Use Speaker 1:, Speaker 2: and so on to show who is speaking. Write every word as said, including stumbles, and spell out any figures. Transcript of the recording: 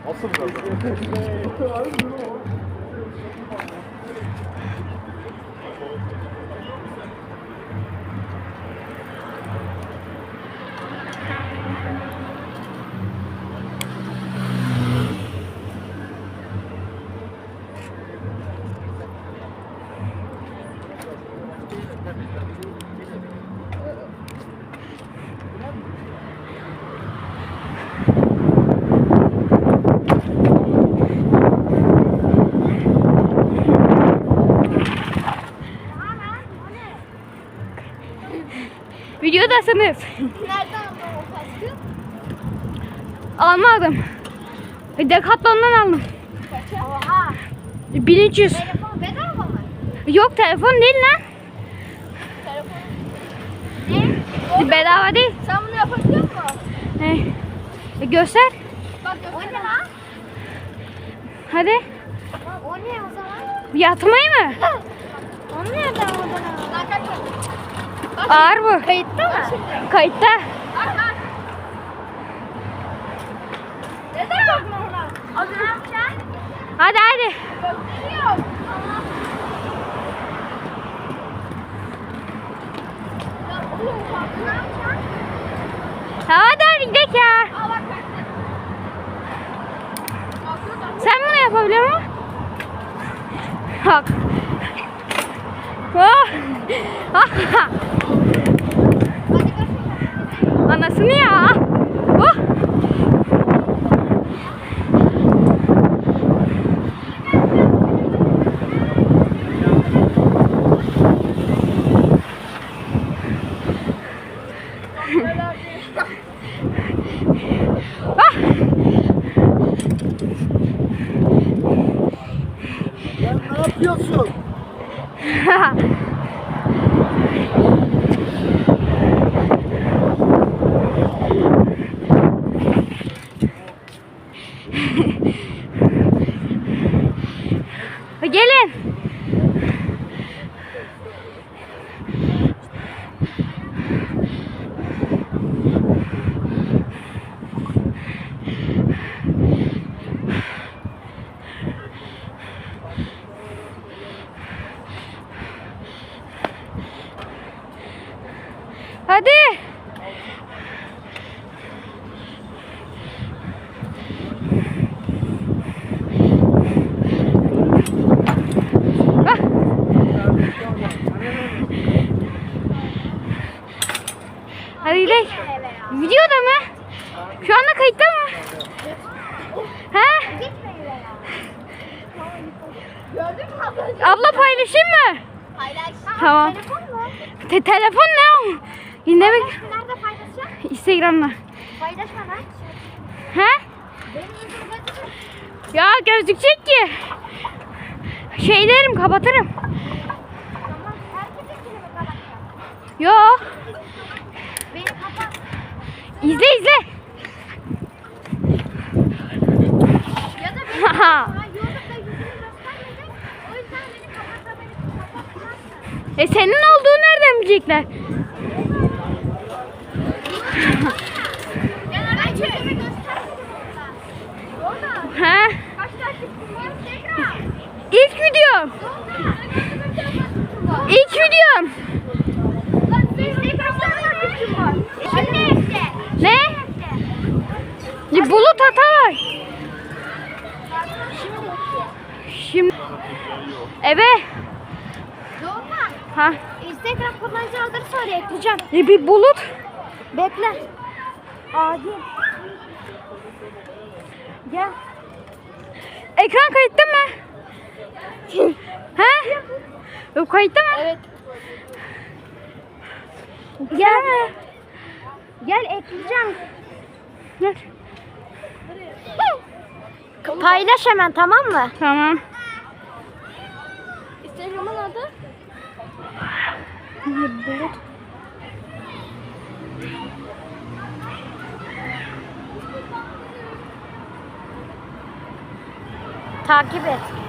Speaker 1: Asıl biraz.
Speaker 2: Videodasınız.
Speaker 3: Nereden aldın o kaskı?
Speaker 2: Almadım. Decathlon'dan aldım.
Speaker 3: Kaça? Oha.
Speaker 2: bin üç yüz.
Speaker 3: Telefon bedava mı?
Speaker 2: Yok, telefon değil lan.
Speaker 3: Telefon. Ne?
Speaker 2: Bedava değil.
Speaker 3: Sen bunu yapabiliyor musun?
Speaker 2: He. E, göster.
Speaker 3: Bak o ne lan?
Speaker 2: Hadi.
Speaker 3: O ne o zaman?
Speaker 2: Yatmayı mı?
Speaker 3: Onu nereden aldın? Lan kaç bak.
Speaker 2: Ağır bu.
Speaker 3: Kayıtta mı?
Speaker 2: Kayıtta.
Speaker 3: Bak bak. Neden bakma ona? O zaman sen
Speaker 2: Hadi hadi.
Speaker 3: gösteriyor. Ya oğlum bak ne yapacaksın?
Speaker 2: Hadi hadi gidelim ya.
Speaker 3: Aa bak bak.
Speaker 2: Sen bunu yapabiliyor musun? Bak. Oh. Ah. Anasını ya. Oh. Ah.
Speaker 1: Sen ne yapıyorsun?
Speaker 2: Gelin. Hadi. Ah. Hadi gidelim. Videoda mı? Şu anda kayıtta mı? He?
Speaker 3: Gördün mü ablacığım?
Speaker 2: Abla paylaşayım mı?
Speaker 3: Paylaş.
Speaker 2: Tamam.
Speaker 3: Telefon mu?
Speaker 2: Te telefon ne o? Yine mi?
Speaker 3: Nerede paylaşacağım?
Speaker 2: Instagram'da.
Speaker 3: Paylaşma lan.
Speaker 2: He?
Speaker 3: Benim yüzüm gözüküyor.
Speaker 2: Ya gözükecek ki. Şey derim, kapatırım.
Speaker 3: Tamam. Herkesin kilimi kapatacağım.
Speaker 2: Yo.
Speaker 3: Beni kapat.
Speaker 2: İzle izle.
Speaker 3: Ya da beni
Speaker 2: Haha.
Speaker 3: sana YouTube'da yüzümü göstermedin. O yüzden beni kapatabilirsin. Kapatmazsın.
Speaker 2: E senin olduğu nereden bilecekler?
Speaker 3: Ya da ben yüzümü göstermedim orada. Orada.
Speaker 2: He?
Speaker 3: Kaç takipçim var? Tekrar.
Speaker 2: İlk videom. İlk videom.
Speaker 3: Lan senin kaç tane takipçim var? Şimdi işte.
Speaker 2: Ne? Ya Bulut Atalay. Şimdi eve.
Speaker 3: Doğukan.
Speaker 2: Ha.
Speaker 3: Instagram kullanıcı adını söyle ekleyeceğim.
Speaker 2: E bir Bulut.
Speaker 3: Bekle. Adi.
Speaker 2: Gel. Ekran kayıtta mı? He? Yok kayıtta mı?
Speaker 3: Evet.
Speaker 2: Gel.
Speaker 3: Gel ekleyeceğim.
Speaker 2: Gel.
Speaker 3: Paylaş hemen, tamam mı?
Speaker 2: Tamam.
Speaker 3: Instagram'ın adı?
Speaker 2: Bulut.
Speaker 3: Takip et.